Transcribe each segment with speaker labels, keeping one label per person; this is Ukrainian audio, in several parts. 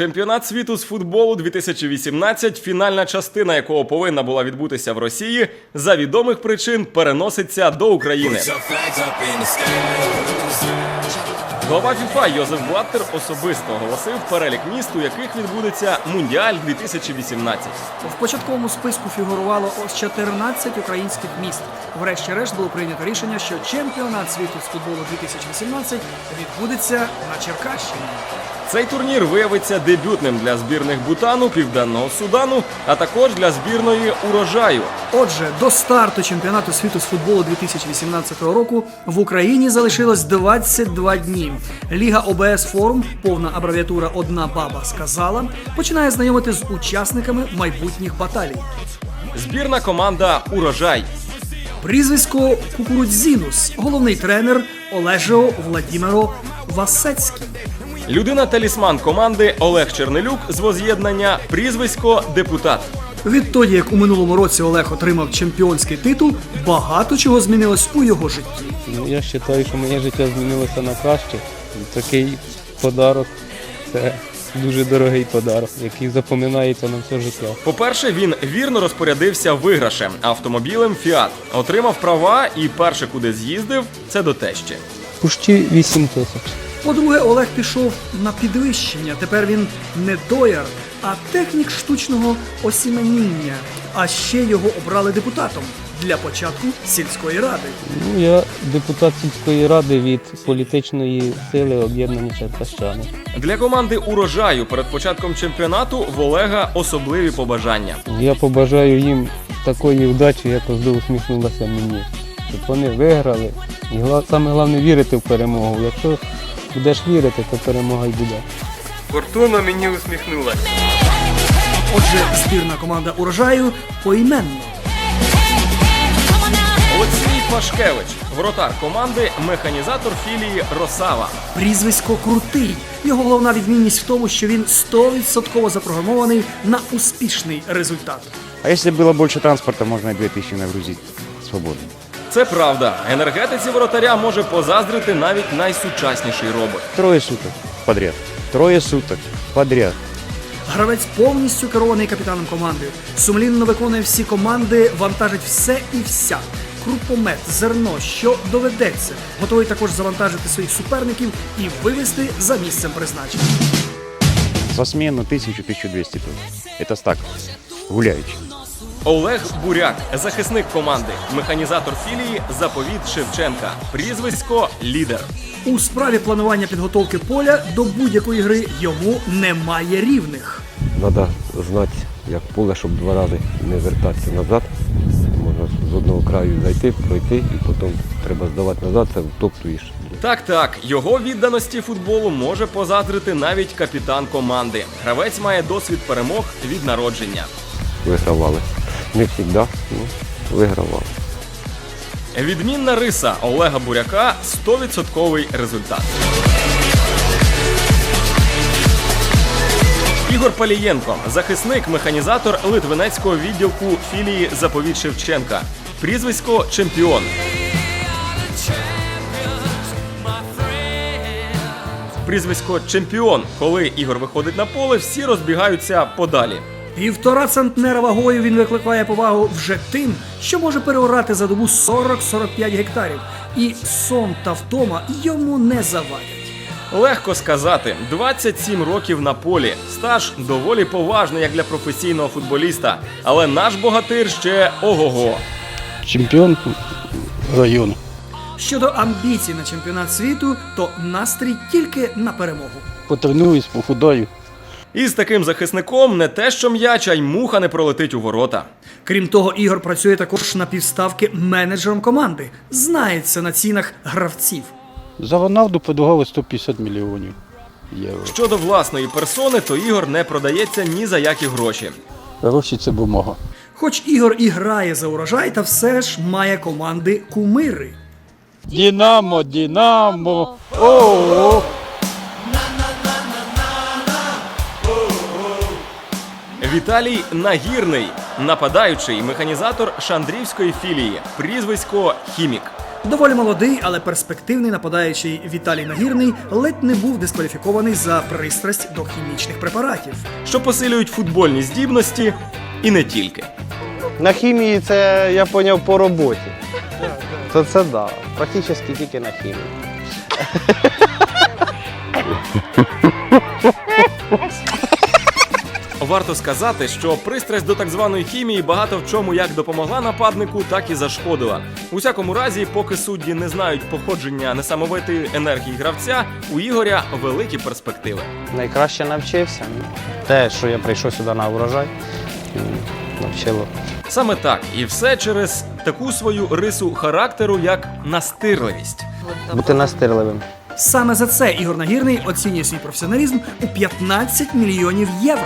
Speaker 1: Чемпіонат світу з футболу 2018, фінальна частина якого повинна була відбутися в Росії, за відомих причин переноситься до України. Глава ФІФА Йозеф Блаттер особисто оголосив перелік міст, у яких відбудеться Мундіаль 2018.
Speaker 2: В початковому списку фігурувало ось 14 українських міст. Врешті-решт було прийнято рішення, що чемпіонат світу з футболу 2018 відбудеться на Черкащині.
Speaker 1: Цей турнір виявиться дебютним для збірних Бутану, Південного Судану, а також для збірної Урожаю.
Speaker 2: Отже, до старту чемпіонату світу з футболу 2018 року в Україні залишилось 22 дні. Ліга ОБС Форум, повна абревіатура «Одна баба сказала», починає знайомити з учасниками майбутніх баталій.
Speaker 1: Збірна команда Урожай.
Speaker 2: Прізвисько Кукурудзінус, головний тренер Олежо Владімиро Васецький.
Speaker 1: Людина-талісман команди Олег Чернелюк з воз'єднання прізвисько Депутат.
Speaker 2: Відтоді, як у минулому році Олег отримав чемпіонський титул, багато чого змінилось у його житті.
Speaker 3: Я вважаю, що моє життя змінилося на краще. Такий подарок – це дуже дорогий подарок, який запам'ятається на все життя.
Speaker 1: По-перше, він вірно розпорядився виграшем – автомобілем «Фіат». Отримав права і перше, куди з'їздив – це до тещі.
Speaker 3: Почти 8 тисяч.
Speaker 2: По-друге, Олег пішов на підвищення. Тепер він не дояр, а технік штучного осіменіння. А ще його обрали депутатом для початку сільської ради.
Speaker 3: Я депутат сільської ради від політичної сили об'єднані черкащани.
Speaker 1: Для команди «Урожаю» перед початком чемпіонату в Олега особливі побажання.
Speaker 3: Я побажаю їм такої вдачі, як завжди усміхнулася мені. Щоб вони виграли. І саме головне вірити в перемогу. Якщо будеш вірити, то перемога й буде.
Speaker 1: Фортуна мені усміхнулася.
Speaker 2: Отже, збірна команда «Урожаю» поіменно.
Speaker 1: Олексій Пашкевич, воротар команди, механізатор філії «Росава».
Speaker 2: Прізвисько Крутий. Його головна відмінність в тому, що він 100% запрограмований на успішний результат.
Speaker 4: А если было больше транспорта, можно и 2000 нагрузить свободно.
Speaker 1: Це правда. Енергетиці воротаря може позаздрити навіть найсучасніший робот.
Speaker 4: Трое суток подряд. Трое суток подряд.
Speaker 2: Гравець повністю керований капітаном команди. Сумлінно виконує всі команди, вантажить все і вся. Крупомет, зерно, що доведеться. Готовий також завантажити своїх суперників і вивести за місцем призначення.
Speaker 4: За смену 1000-1200 тонн. Это так, гуляючи.
Speaker 1: Олег Буряк, захисник команди, механізатор філії «Заповіт Шевченка». Прізвисько «Лідер».
Speaker 2: У справі планування підготовки поля до будь-якої гри йому немає рівних.
Speaker 5: Треба знати, як поле, щоб 2 рази не вертатися назад. Можна з одного краю зайти, пройти і потім треба здавати назад, це втоптуєш.
Speaker 1: Так, його відданості футболу може позаздрити навіть капітан команди. Гравець має досвід перемог від народження.
Speaker 5: Вигравали. Не завжди, вигравали.
Speaker 1: Відмінна риса Олега Буряка – 100% результат. Ігор Палієнко – захисник, механізатор Литвинецького відділку філії «Заповіт Шевченка». Прізвисько «Чемпіон». Прізвисько «Чемпіон». Коли Ігор виходить на поле, всі розбігаються подалі.
Speaker 2: 1,5 центнера вагою він викликає повагу вже тим, що може переорати за добу 40-45 гектарів. І сон та втома йому не завадять.
Speaker 1: Легко сказати, 27 років на полі. Стаж доволі поважний, як для професійного футболіста. Але наш богатир ще ого-го.
Speaker 3: Чемпіон району.
Speaker 2: Щодо амбіцій на чемпіонат світу, то настрій тільки на перемогу.
Speaker 3: Потренуюсь, похудаю.
Speaker 1: І з таким захисником не те що м'яч, а й муха не пролетить у ворота.
Speaker 2: Крім того, Ігор працює також на півставки менеджером команди. Знається на цінах гравців.
Speaker 3: За Роналду подавали 150 мільйонів євро.
Speaker 1: Щодо власної персони, то Ігор не продається ні за які гроші.
Speaker 3: Гроші – це бумага.
Speaker 2: Хоч Ігор і грає за «Урожай», та все ж має команди кумири.
Speaker 3: Динамо, Динамо! О-о-о!
Speaker 1: Віталій Нагірний, нападаючий, механізатор Шандрівської філії, прізвисько «Хімік».
Speaker 2: Доволі молодий, але перспективний нападаючий Віталій Нагірний ледь не був дискваліфікований за пристрасть до хімічних препаратів.
Speaker 1: що посилюють футбольні здібності і не тільки.
Speaker 6: На хімії це я поняв по роботі. То це да. Практично тільки на хімії.
Speaker 1: Варто сказати, що пристрасть до так званої хімії багато в чому як допомогла нападнику, так і зашкодила. У всякому разі, поки судді не знають походження несамовитої енергії гравця, у Ігоря великі перспективи.
Speaker 6: Найкраще навчився. Те, що я прийшов сюди на урожай, навчило.
Speaker 1: Саме так, і все через таку свою рису характеру, як настирливість.
Speaker 6: Бути настирливим.
Speaker 2: Саме за це Ігор Нагірний оцінює свій професіоналізм у 15 мільйонів євро.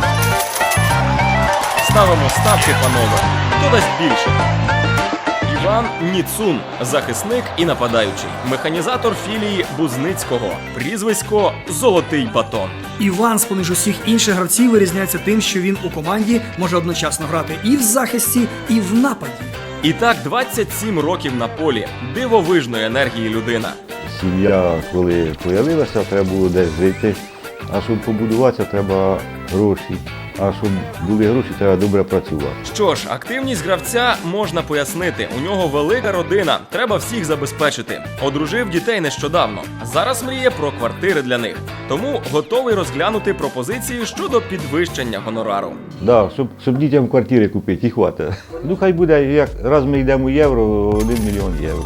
Speaker 1: Ставимо ставки, панове. Хто дасть більше? Іван Ніцун, захисник і нападаючий, механізатор філії Бузницького, прізвисько «Золотий батон».
Speaker 2: Іван, з-поміж усіх інших гравців, вирізняється тим, що він у команді може одночасно грати і в захисті, і в нападі.
Speaker 1: І так 27 років на полі, дивовижної енергії людина.
Speaker 7: Сім'я, коли з'явилася, треба було десь жити. А щоб побудуватися, треба гроші. А щоб були гроші, треба добре працювати.
Speaker 1: Що ж, активність гравця можна пояснити. У нього велика родина, треба всіх забезпечити. Одружив дітей нещодавно. Зараз мріє про квартири для них. Тому готовий розглянути пропозиції щодо підвищення гонорару.
Speaker 7: Да, щоб дітям квартири купити, і хватить. Ну хай буде, як раз ми йдемо у євро, 1 мільйон євро.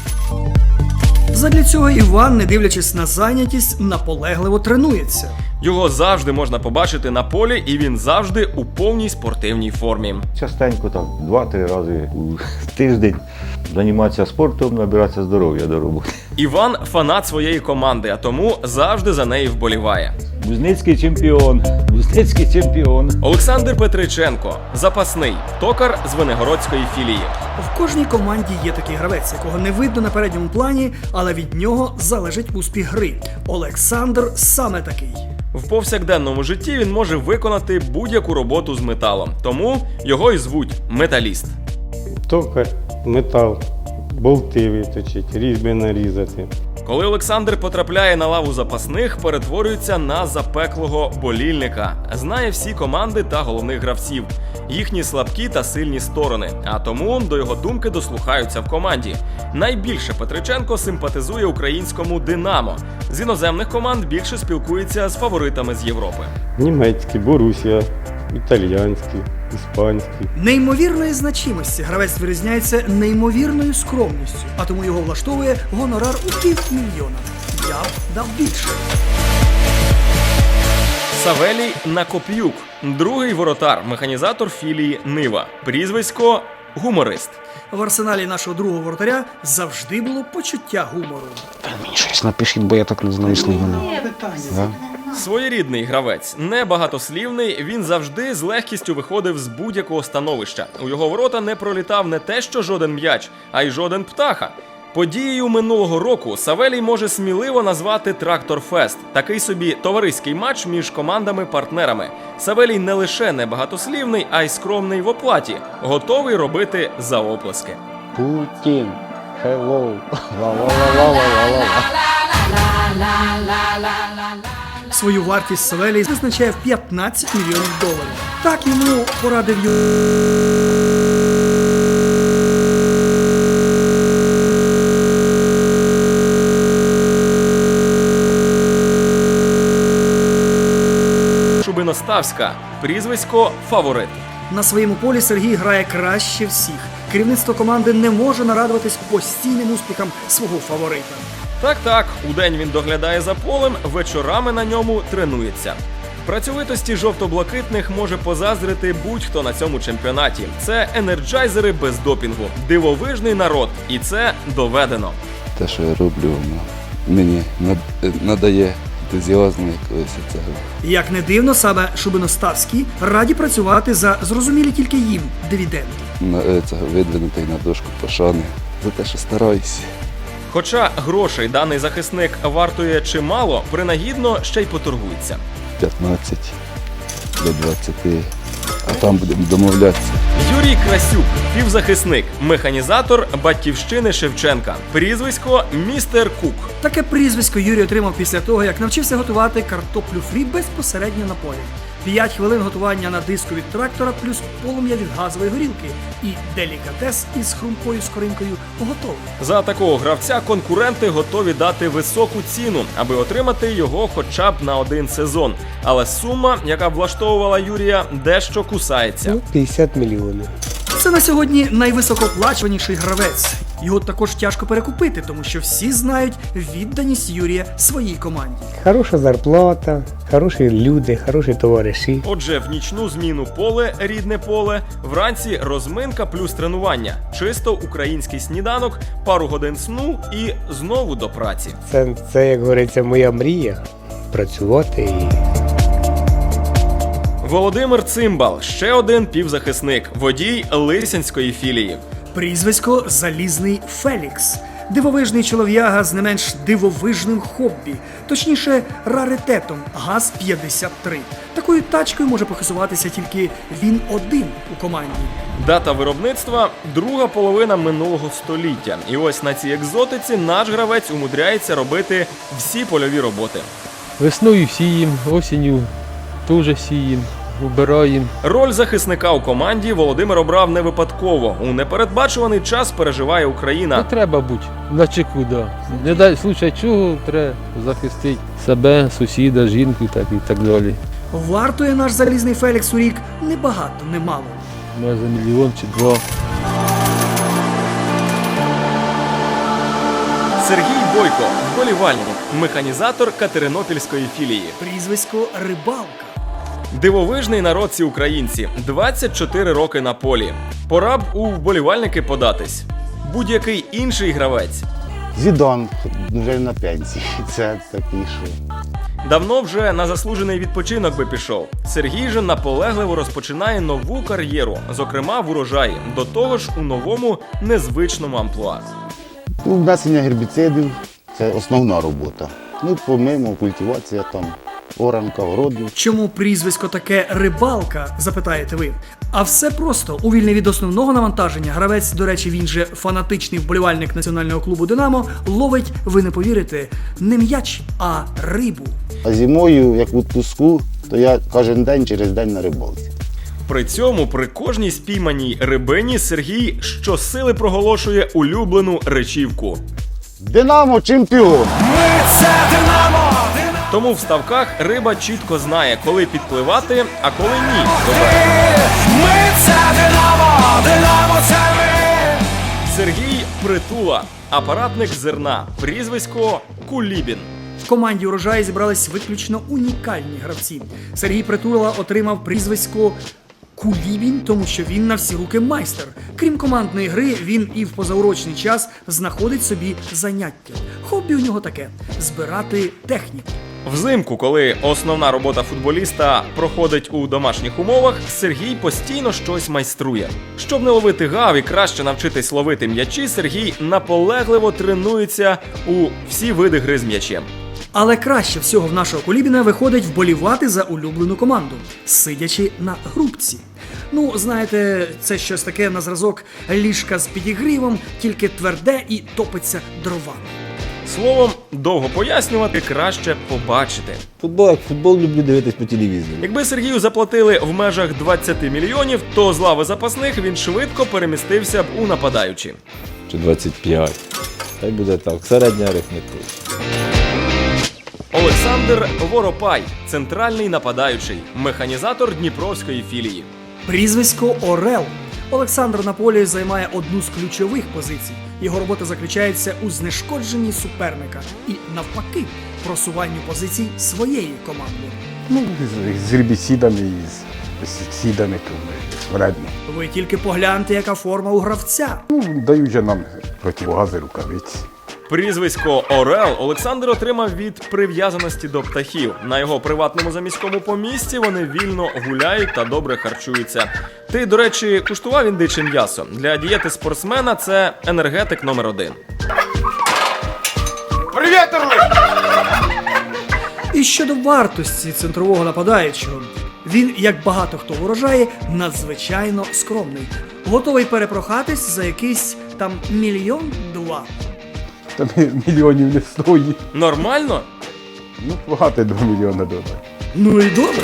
Speaker 2: Задля цього Іван, не дивлячись на зайнятість, наполегливо тренується.
Speaker 1: Його завжди можна побачити на полі, і він завжди у повній спортивній формі.
Speaker 7: Частенько так, 2-3 рази у тиждень займатися спортом, набиратися здоров'я до роботи.
Speaker 1: Іван – фанат своєї команди, а тому завжди за неї вболіває.
Speaker 7: Бузницький чемпіон, Бузницький чемпіон.
Speaker 1: Олександр Петриченко – запасний, токар з Венегородської філії.
Speaker 2: В кожній команді є такий гравець, якого не видно на передньому плані, але від нього залежить успіх гри. Олександр саме такий.
Speaker 1: В повсякденному житті він може виконати будь-яку роботу з металом, тому його і звуть металіст.
Speaker 8: Токар, метал, болти виточить, різьби нарізати.
Speaker 1: Коли Олександр потрапляє на лаву запасних, перетворюється на запеклого болільника. Знає всі команди та головних гравців, їхні слабкі та сильні сторони, а тому до його думки дослухаються в команді. Найбільше Петриченко симпатизує українському «Динамо». З іноземних команд більше спілкується з фаворитами з Європи.
Speaker 8: Німецькі, Борусія, італіянські, іспанські.
Speaker 2: Неймовірної значимості гравець вирізняється неймовірною скромністю, а тому його влаштовує гонорар у 500 000. Я б дав більше.
Speaker 1: Савелій Накоп'юк, другий воротар, механізатор філії «Нива». Прізвисько «Гуморист».
Speaker 2: В арсеналі нашого другого воротаря завжди було почуття гумору.
Speaker 6: Мені щось напишіть, бо я так не знаю слів.
Speaker 1: Своєрідний гравець, небагатослівний, він завжди з легкістю виходив з будь-якого становища. У його ворота не пролітав не те що жоден м'яч, а й жоден птаха. Подією минулого року Савелій може сміливо назвати Трактор-Фест – такий собі товариський матч між командами-партнерами. Савелій не лише небагатослівний, а й скромний в оплаті, готовий робити за оплески.
Speaker 6: Путін, hello.
Speaker 2: Свою вартість Савелій визначає в 15 мільйонів доларів. Так йому порадив
Speaker 1: Шубиноставська, прізвисько «Фаворит».
Speaker 2: На своєму полі Сергій грає краще всіх. Керівництво команди не може нарадуватись постійним успіхам свого фаворита.
Speaker 1: Так, удень він доглядає за полем, вечорами на ньому тренується. Працьовитості жовто-блакитних може позаздрити будь-хто на цьому чемпіонаті. Це енерджайзери без допінгу, дивовижний народ, і це доведено.
Speaker 9: Те, що я роблю, мені надає ентузіазму якогось цього.
Speaker 2: Як не дивно, саме Шубиноставські раді працювати за зрозумілі тільки їм дивіденди.
Speaker 9: Цього видвинутий на дошку пошани за те, що стараюся.
Speaker 1: Хоча грошей даний захисник вартує чимало, принагідно ще й поторгується.
Speaker 9: 15 до 20, а там будемо домовлятися.
Speaker 1: Юрій Красюк, півзахисник, механізатор Батьківщини Шевченка. Прізвисько Містер Кук.
Speaker 2: Таке прізвисько Юрій отримав після того, як навчився готувати картоплю фрі безпосередньо на полі. 5 хвилин готування на диску від трактора плюс полум'я від газової горілки. І делікатес із хрумкою скоринкою готовий.
Speaker 1: За такого гравця конкуренти готові дати високу ціну, аби отримати його хоча б на один сезон. Але сума, яка влаштовувала Юрія, дещо кусається.
Speaker 3: 50 мільйонів.
Speaker 2: Це на сьогодні найвисокооплачуваніший гравець. Його також тяжко перекупити, тому що всі знають відданість Юрія своїй команді.
Speaker 3: Хороша зарплата, хороші люди, хороші товариші.
Speaker 1: Отже, в нічну зміну поле, рідне поле, вранці розминка плюс тренування, чисто український сніданок, пару годин сну і знову до праці.
Speaker 3: Це як говориться, моя мрія працювати і.
Speaker 1: Володимир Цимбал, ще один півзахисник, водій Лисянської філії.
Speaker 2: Прізвисько Залізний Фелікс. Дивовижний чолов'яга з не менш дивовижним хобі, точніше раритетом ГАЗ-53. Такою тачкою може похизуватися тільки він один у команді.
Speaker 1: Дата виробництва – друга половина минулого століття. І ось на цій екзотиці наш гравець умудряється робити всі польові роботи.
Speaker 10: Весною сіємо, осінню теж сіємо, убираємо.
Speaker 1: Роль захисника у команді Володимир обрав не випадково. У непередбачуваний час переживає Україна.
Speaker 10: Ну, треба бути на чеку, да. Не дай случай чого, треба захистити себе, сусіда, жінку і так далі.
Speaker 2: Вартує наш Залізний Фелікс у рік небагато, немало.
Speaker 10: Може за мільйон чи два.
Speaker 1: Сергій Бойко, вболівальник, механізатор Катеринопільської філії.
Speaker 2: Прізвисько Рибалка.
Speaker 1: Дивовижний народ ці українці. 24 роки на полі. Пора б у вболівальники податись. Будь-який інший гравець
Speaker 6: Зідан вже на пенсії. Це такий, що...
Speaker 1: давно вже на заслужений відпочинок би пішов. Сергій же наполегливо розпочинає нову кар'єру, зокрема в урожаї, до того ж у новому незвичному амплуа.
Speaker 6: Внесення гербіцидів – це основна робота. Ну, помимо культивація там, оранка, городів.
Speaker 2: Чому прізвисько таке Рибалка, запитаєте ви? А все просто. У вільний від основного навантаження гравець, до речі, він же фанатичний вболівальник національного клубу «Динамо», ловить, ви не повірите, не м'яч, а рибу.
Speaker 6: А зимою, як у відпуску, то я кожен день через день на рибалці.
Speaker 1: При цьому при кожній спійманій рибині Сергій щосили проголошує улюблену речівку.
Speaker 6: «Динамо чемпіон!»
Speaker 1: Тому в ставках риба чітко знає, коли підпливати, а коли ні. до берега. Сергій Притула, апаратник зерна, прізвисько Кулібін.
Speaker 2: В команді «Урожай» зібрались виключно унікальні гравці. Сергій Притула отримав прізвисько Кулібін, тому що він на всі руки майстер. Крім командної гри, він і в позаурочний час знаходить собі заняття. Хобі у нього таке – збирати техніку.
Speaker 1: Взимку, коли основна робота футболіста проходить у домашніх умовах, Сергій постійно щось майструє. Щоб не ловити гав і краще навчитись ловити м'ячі, Сергій наполегливо тренується у всі види гри з м'ячем.
Speaker 2: Але краще всього в нашого Кулібіна виходить вболівати за улюблену команду, сидячи на грубці. Ну, знаєте, це щось таке на зразок ліжка з підігрівом, тільки тверде і топиться дровами.
Speaker 1: Словом, довго пояснювати, краще побачити.
Speaker 5: Футбол люблю дивитись по телевізору.
Speaker 1: Якби Сергію заплатили в межах 20 мільйонів, то з лави запасних він швидко перемістився б у нападаючі.
Speaker 11: Чи 25. Хай буде так, середня арифметика.
Speaker 1: Олександр Воропай, центральний нападаючий, механізатор Дніпровської філії.
Speaker 2: Прізвисько Орел. Олександр на полі займає одну з ключових позицій. Його робота заключається у знешкодженні суперника і, навпаки, просуванню позицій своєї команди.
Speaker 8: Ну, з гербіцидами і з сідами то вредно.
Speaker 2: Ви тільки погляньте, яка форма у гравця.
Speaker 8: Ну, дають же нам противогази, рукавиці.
Speaker 1: Прізвисько Орел Олександр отримав від прив'язаності до птахів. На його приватному заміському помісті вони вільно гуляють та добре харчуються. Ти, до речі, куштував індиче м'ясо? Для дієти спортсмена це енергетик номер 1.
Speaker 6: Привіт, Орли!
Speaker 2: І щодо вартості центрового нападаючого. Він, як багато хто вважає, надзвичайно скромний. Готовий перепрохатись за якийсь там 1-2 мільйони.
Speaker 8: Там мільйонів не стоїть.
Speaker 1: Нормально?
Speaker 8: Ну, багато 2 мільйони додати.
Speaker 2: Ну і добре.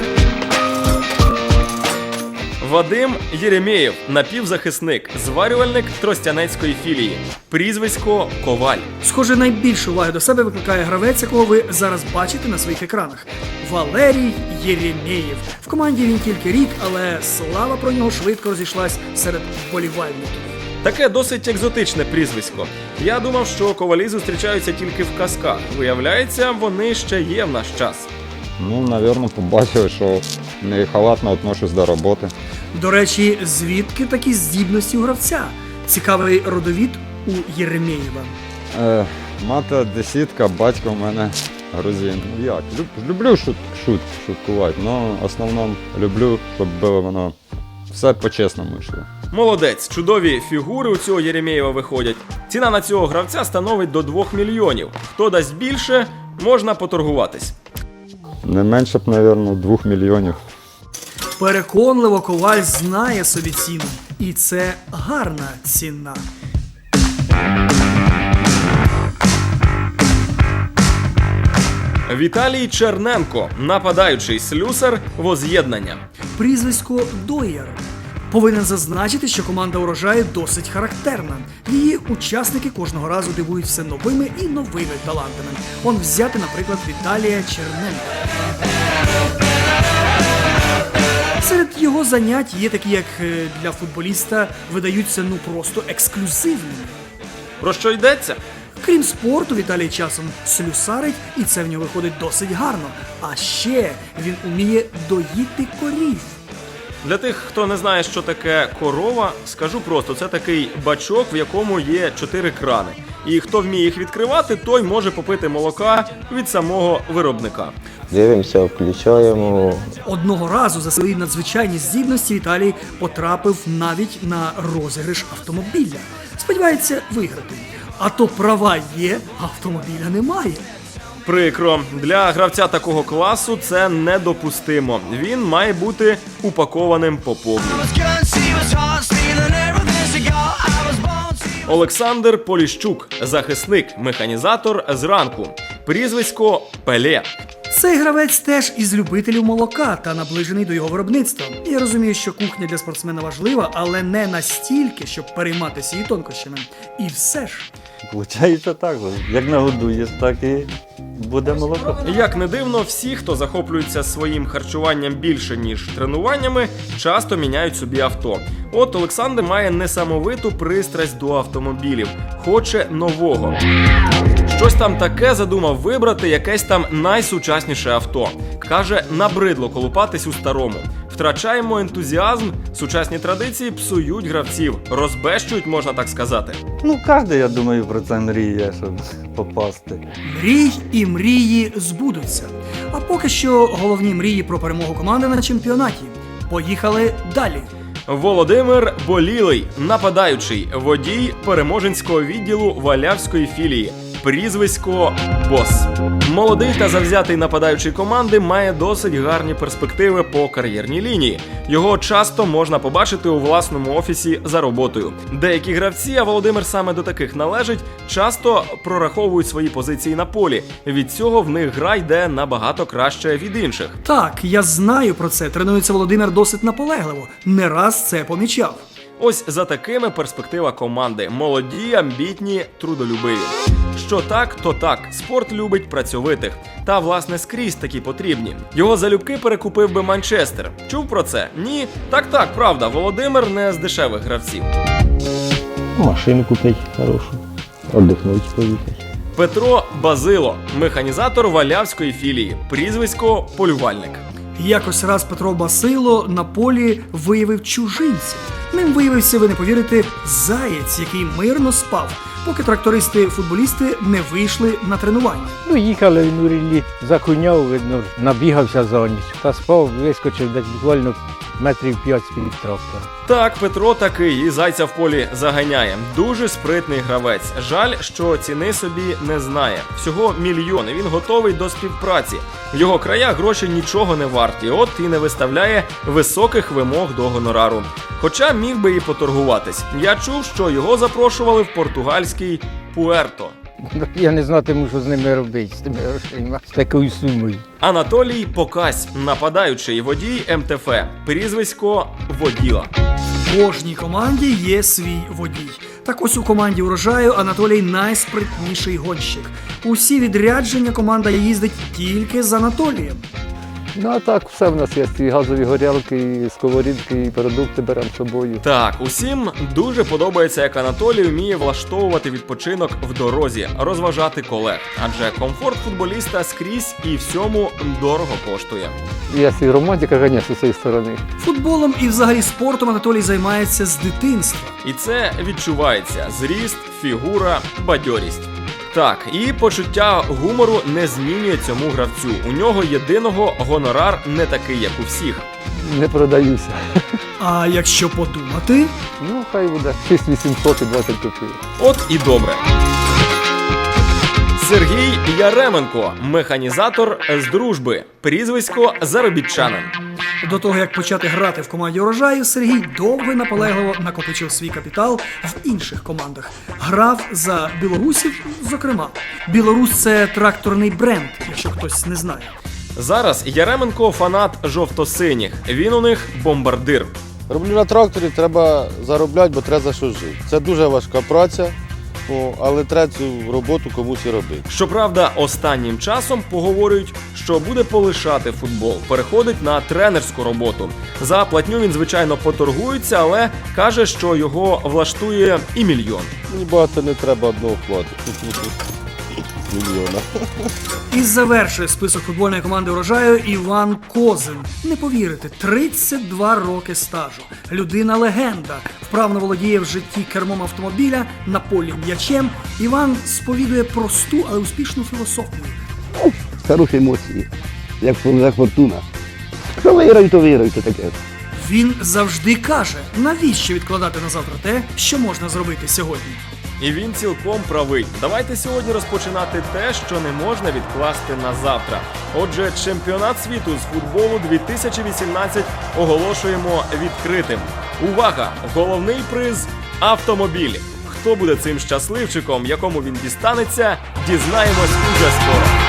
Speaker 1: Вадим Єремєєв, напівзахисник, зварювальник Тростянецької філії. Прізвисько Коваль.
Speaker 2: Схоже, найбільшу увагу до себе викликає гравець, якого ви зараз бачите на своїх екранах. Валерій Єремєєв. В команді він тільки рік, але слава про нього швидко розійшлась серед вболівальників.
Speaker 1: Таке досить екзотичне прізвисько. Я думав, що ковалі зустрічаються тільки в казках. Виявляється, вони ще є в наш час.
Speaker 11: Ну, напевно, побачив, що не халатно відношусь до роботи.
Speaker 2: До речі, звідки такі здібності у гравця? Цікавий родовід у Єремєєва.
Speaker 11: Мати десятка, батько в мене грузин. Ну як? Люблю шуткувати, але в основному люблю, щоб було воно все по-чесному йшло.
Speaker 1: Молодець, чудові фігури у цього Єремєєва виходять. Ціна на цього гравця становить до 2 мільйонів. Хто дасть більше, можна поторгуватись.
Speaker 11: Не менше б, напевно, 2 мільйонів.
Speaker 2: Переконливо Коваль знає собі ціну. І це гарна ціна.
Speaker 1: Віталій Черненко, нападаючий слюсар Воз'єднання.
Speaker 2: Прізвисько Доєр. Повинен зазначити, що команда «Урожаю» досить характерна. Її учасники кожного разу дивують все новими і новими талантами. Он взяти, наприклад, Віталія Черненка. Серед його занять є такі, як для футболіста видаються просто ексклюзивними.
Speaker 1: Про що йдеться?
Speaker 2: Крім спорту, Віталій часом слюсарить, і це в нього виходить досить гарно. А ще він уміє доїти корів.
Speaker 1: Для тих, хто не знає, що таке корова, скажу просто, це такий бачок, в якому є 4 крани. І хто вміє їх відкривати, той може попити молока від самого виробника.
Speaker 12: Дивимося, включаємо.
Speaker 2: Одного разу за свої надзвичайні здібності Віталій потрапив навіть на розіграш автомобіля. Сподівається виграти. А то права є, а автомобіля немає.
Speaker 1: Прикро. Для гравця такого класу це недопустимо. Він має бути упакованим по повній. Олександр Поліщук, захисник, механізатор зранку. Прізвисько Пеле.
Speaker 2: Цей гравець теж із любителів молока та наближений до його виробництва. Я розумію, що кухня для спортсмена важлива, але не настільки, щоб перейматися її тонкощами. І все ж.
Speaker 12: Получається так, як нагодуєш, так і буде молоко.
Speaker 1: Як не дивно, всі, хто захоплюється своїм харчуванням більше, ніж тренуваннями, часто міняють собі авто. От Олександр має несамовиту пристрасть до автомобілів. Хоче нового. Щось там таке задумав вибрати, якесь там найсучасніше авто. Каже, набридло колупатись у старому. Втрачаємо ентузіазм, сучасні традиції псують гравців, розбещують, можна так сказати.
Speaker 12: Ну, кожен, я думаю, про це мріє, щоб попасти.
Speaker 2: Мрій і мрії збудуться. А поки що головні мрії про перемогу команди на чемпіонаті. Поїхали далі.
Speaker 1: Володимир Болілий, нападаючий, водій Переможенського відділу Валявської філії. Прізвисько Бос. Молодий та завзятий нападаючий команди має досить гарні перспективи по кар'єрній лінії. Його часто можна побачити у власному офісі за роботою. Деякі гравці, а Володимир саме до таких належить, часто прораховують свої позиції на полі. Від цього в них гра йде набагато краще від інших.
Speaker 2: Так, я знаю про це. Тренується Володимир досить наполегливо. Не раз це помічав.
Speaker 1: Ось за такими перспектива команди. Молоді, амбітні, трудолюбиві. Що так, то так. Спорт любить працьовитих. Та, власне, скрізь такі потрібні. Його залюбки перекупив би Манчестер. Чув про це? Ні? Так, правда. Володимир не з дешевих гравців.
Speaker 12: Машину купити хорошу, віддихнути поїхати.
Speaker 1: Петро Базило, механізатор Валявської філії. Прізвисько Полювальник.
Speaker 2: Якось раз Петро Басило на полі виявив чужинця. Ним виявився, ви не повірите, заєць, який мирно спав. поки трактористи-футболісти не вийшли на тренування.
Speaker 8: Ну, їхали в Нурілі, закуняв, видно, набігався за ніч. Та спав, вискочив десь буквально метрів 5 з-під трактора.
Speaker 1: Так, Петро такий і зайця в полі заганяє. Дуже спритний гравець. Жаль, що ціни собі не знає. Всього мільйон, і він готовий до співпраці. В його краях гроші нічого не варті, от і не виставляє високих вимог до гонорару. Хоча міг би і поторгуватись. Я чув, що його запрошували в португальський Пуерто.
Speaker 8: Я не знатиму, що з ними робити, з тими грошима, з такою сумою.
Speaker 1: Анатолій Покась, нападаючий водій МТФ, прізвисько Воділа.
Speaker 2: В кожній команді є свій водій. Так ось у команді «Урожаю» Анатолій найспритніший гонщик. Усі відрядження команда їздить тільки з Анатолієм.
Speaker 3: Ну а так, все в нас є. І газові горілки, і сковорідки, і продукти беремо з собою.
Speaker 1: Так, усім дуже подобається, як Анатолій вміє влаштовувати відпочинок в дорозі, розважати колег. Адже комфорт футболіста скрізь і всьому дорого коштує.
Speaker 3: Є і романтика, звісно, з цієї сторони.
Speaker 2: Футболом і взагалі спортом Анатолій займається з дитинства.
Speaker 1: І це відчувається: зріст, фігура, бадьорість. Так, і почуття гумору не змінює цьому гравцю. У нього єдиного гонорар не такий, як у всіх.
Speaker 3: Не продаюся.
Speaker 2: А якщо подумати,
Speaker 3: Ну, хай буде 6800 і 20 копійок.
Speaker 1: От і добре. Сергій Яременко, механізатор з Дружби, прізвисько заробітчанин.
Speaker 2: до того як почати грати в команді «Урожаю», Сергій довго і наполегливо накопичив свій капітал в інших командах. Грав за білорусів, зокрема. «Білорусь» – це тракторний бренд, якщо хтось не знає.
Speaker 1: Зараз Яременко фанат жовто-синіх. Він у них бомбардир.
Speaker 13: Роблю на тракторі, треба заробляти, бо треба за що жити. Це дуже важка праця, але треба цю роботу комусь і робити.
Speaker 1: Щоправда, останнім часом поговорюють, що буде полишати футбол, переходить на тренерську роботу. За платню він, звичайно, поторгується, але каже, що його влаштує і мільйон.
Speaker 13: Мені багато не треба одного вкладу. Мільйона.
Speaker 2: І завершує список футбольної команди «Урожаю» Іван Козин. Не повірите, 32 роки стажу. Людина-легенда. Вправно володіє в житті кермом автомобіля, на полі м'ячем. Іван сповідує просту, але успішну філософію.
Speaker 14: Хороші емоції, як фортуна. Що виграють, то виграють, таке.
Speaker 2: Він завжди каже, навіщо відкладати на завтра те, що можна зробити сьогодні.
Speaker 1: І він цілком правий. Давайте сьогодні розпочинати те, що не можна відкласти на завтра. Отже, чемпіонат світу з футболу 2018 оголошуємо відкритим. Увага! Головний приз – автомобіль. Хто буде цим щасливчиком, якому він дістанеться, дізнаємось уже скоро.